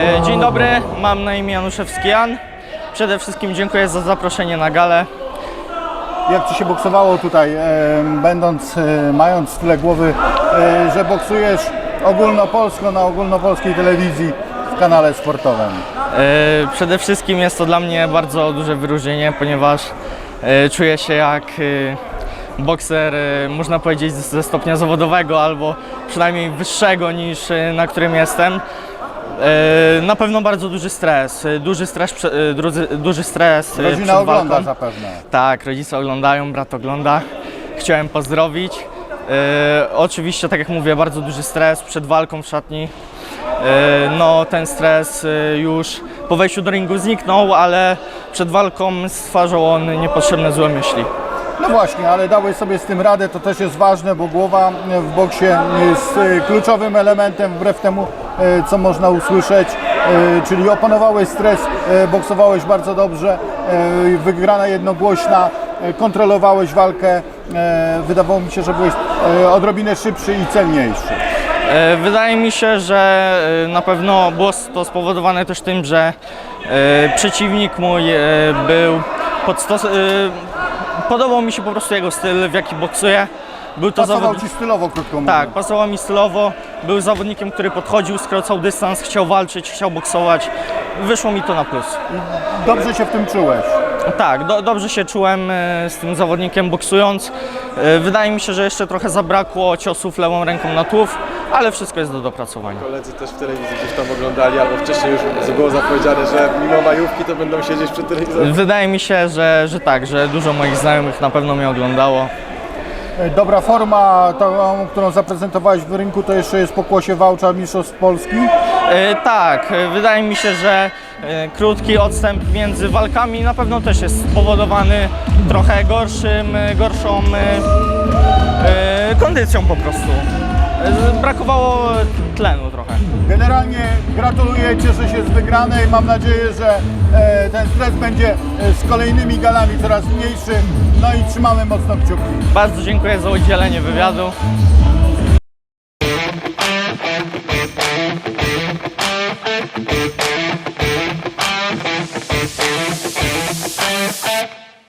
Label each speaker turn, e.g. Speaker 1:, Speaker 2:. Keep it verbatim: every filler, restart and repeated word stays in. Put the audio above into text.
Speaker 1: Dzień dobry, mam na imię Januszewski Jan. Przede wszystkim dziękuję za zaproszenie na galę.
Speaker 2: Jak Ci się boksowało tutaj, e, będąc, e, mając tyle głowy, e, że boksujesz ogólnopolsko na ogólnopolskiej telewizji w kanale sportowym?
Speaker 1: E, Przede wszystkim jest to dla mnie bardzo duże wyróżnienie, ponieważ e, czuję się jak e, bokser, e, można powiedzieć, ze stopnia zawodowego albo przynajmniej wyższego niż e, na którym jestem. E, Na pewno bardzo duży stres, e, duży stres, prze- e, duży, duży stres e,
Speaker 2: Rodzina
Speaker 1: przed
Speaker 2: ogląda
Speaker 1: walką.
Speaker 2: zapewne.
Speaker 1: Tak, rodzice oglądają, brat ogląda. Chciałem pozdrowić. E, oczywiście, tak jak mówię, bardzo duży stres przed walką w szatni. E, no, ten stres e, już po wejściu do ringu zniknął, ale przed walką stwarzał on niepotrzebne złe myśli.
Speaker 2: No właśnie, ale dałeś sobie z tym radę, to też jest ważne, bo głowa w boksie jest e, kluczowym elementem, wbrew temu, e, co można usłyszeć, e, czyli opanowałeś stres, e, boksowałeś bardzo dobrze, e, wygrana jednogłośna, e, kontrolowałeś walkę, e, wydawało mi się, że byłeś e, odrobinę szybszy i celniejszy.
Speaker 1: E, Wydaje mi się, że e, na pewno było to spowodowane też tym, że e, przeciwnik mój e, był pod stos- e, podobał mi się po prostu jego styl, w jaki boksuje. Był to
Speaker 2: Pasował
Speaker 1: zawodnik.
Speaker 2: Ci stylowo, krótko mówiąc.
Speaker 1: Tak, pasował mi stylowo. Był zawodnikiem, który podchodził, skracał dystans, chciał walczyć, chciał boksować. Wyszło mi to na plus.
Speaker 2: Dobrze się w tym czułeś.
Speaker 1: Tak, do, dobrze się czułem e, z tym zawodnikiem boksując. E, Wydaje mi się, że jeszcze trochę zabrakło ciosów lewą ręką na tułów, ale wszystko jest do dopracowania.
Speaker 3: Koledzy też w telewizji gdzieś tam oglądali, albo wcześniej już było zapowiedziane, że mimo majówki to będą siedzieć przy telewizorze.
Speaker 1: Wydaje mi się, że, że tak, że dużo moich znajomych na pewno mnie oglądało.
Speaker 2: E, Dobra forma, tą, którą zaprezentowałeś w rynku, to jeszcze jest pokłosie Wałcza Mistrzostw Polski.
Speaker 1: E, Tak, e, wydaje mi się, że e, krótki odstęp między walkami na pewno też jest spowodowany trochę gorszym, e, gorszą e, e, kondycją po prostu. E, Brakowało tlenu trochę.
Speaker 2: Generalnie gratuluję, cieszę się z wygranej. Mam nadzieję, że e, ten stres będzie e, z kolejnymi galami coraz mniejszy. No i trzymamy mocno kciuki.
Speaker 1: Bardzo dziękuję za udzielenie wywiadu.